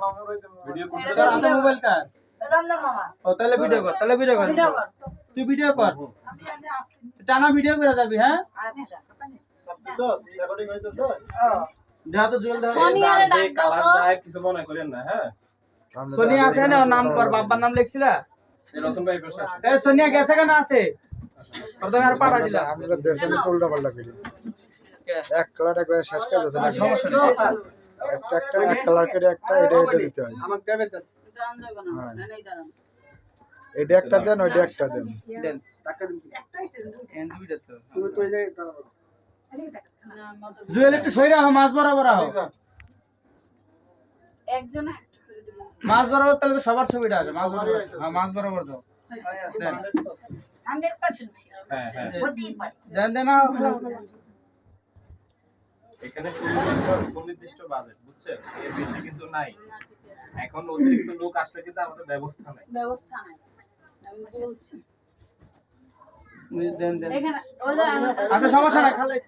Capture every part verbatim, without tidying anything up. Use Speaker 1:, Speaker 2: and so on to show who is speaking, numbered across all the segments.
Speaker 1: Video করতে আমাদের mobile কার
Speaker 2: রমজান মামা
Speaker 1: ও তাহলে ভিডিও কর তাহলে ভিডিও কর তুই ভিডিও কর টানা ভিডিও করে যাবি হ্যাঁ
Speaker 2: আচ্ছা
Speaker 3: সস রেকর্ডিং হইতেছে
Speaker 1: যা তো জল দাও
Speaker 4: সোনিয়ারে ডাক দাও তো
Speaker 3: যায় কিছু মনে করেন না হ্যাঁ
Speaker 1: সোনিয়া আছে না ওর নাম কর বাবার নাম লিখছিলা
Speaker 3: এই রতন ভাই পাশে আসে
Speaker 1: এ সোনিয়া গেছে কেন আছে প্রথমে আর পাঠা দিলা
Speaker 5: আমরা দেশে উল্টা পাল্টা করি এক কালার একবার শেষ করে দিতে না
Speaker 1: সমস্যা নেই
Speaker 5: একটা একটা এক কালার করে একটা এটা এটা দিতে হয়
Speaker 3: আমাকে দেবে তো
Speaker 4: জান যাবে না নেই দাঁড়ান
Speaker 5: এটা একটা দেন ওইটা একটা দেন
Speaker 1: দেন
Speaker 3: টাকা দিন
Speaker 2: একটাই সেন
Speaker 1: এন দুইটা তো
Speaker 3: তুমি তো এই জায়গায় দাঁড়াও
Speaker 4: না মতো
Speaker 1: জুয়েল একটু সইরা হও মাছ বরাবর হও
Speaker 4: একজন একটা করে দিলাম
Speaker 1: মাছ বরাবর তাহলে তো সবার ছবিটা আছে মাছ বরাবর হ্যাঁ মাছ বরাবর দাও দেন
Speaker 2: হান্ড্রেড পার্সেন্ট
Speaker 3: হ্যাঁ হ্যাঁ
Speaker 2: হতেই পারে
Speaker 1: দেন দেন নাও, নাও, নাও।
Speaker 3: এখানে সুনির্দিষ্ট সুনির্দিষ্ট বাজেট বুঝছেন এর বেশি কিন্তু নাই এখন অতিরিক্ত লোক আসলে কিন্তু আমাদের ব্যবস্থা নাই
Speaker 4: ব্যবস্থা নাই আমি বলছি
Speaker 1: দেন দেন
Speaker 4: এখানে ওই যে
Speaker 1: আচ্ছা সমস্যা নাই খালে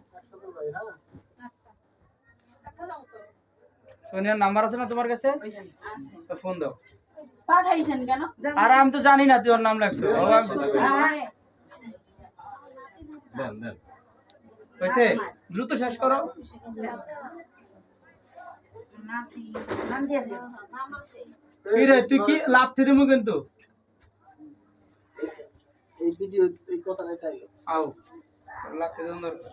Speaker 1: সোনিয়ার নাম্বার আছে না তোমার কাছে
Speaker 4: আছে
Speaker 1: তো ফোন দাও
Speaker 4: পাঠাইছেন কেন
Speaker 1: আর আমি তো জানি না তুই ওর নাম লাগছো ও আমি তো জানি।
Speaker 4: আরে,
Speaker 3: দেন দেন
Speaker 1: হয়েছে দ্রুত শেষ করো
Speaker 2: নাতি নাম দিয়েছে
Speaker 1: কি রে তুই কি লাথি দিমু কিন্তু
Speaker 3: এই ভিডিও এই কথাটাই তাই
Speaker 1: আও লাথি দেন দরকার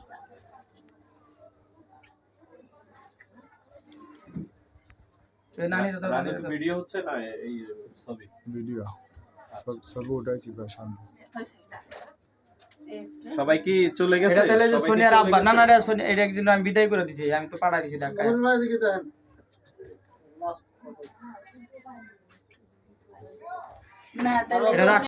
Speaker 1: এই নানি দাদা
Speaker 3: রাজের ভিডিও হচ্ছে না এই ছবি
Speaker 5: ভিডিও সব সব উঠাইছি ভাই সামনে
Speaker 4: হয়েছে, যা। এই,
Speaker 3: সবাই কি চলে গেছে
Speaker 1: এটা তাহলে যে
Speaker 3: সবাই কি
Speaker 1: সোনিয়ার
Speaker 3: চলে
Speaker 1: আব্বা
Speaker 3: গেছে?
Speaker 1: না না রে সোনিয়া এটা একদিন আমি বিদায় করে দিছি আমি তো পাঠা দিছি ঢাকায়
Speaker 4: না তাহলে
Speaker 1: এটা রাখ।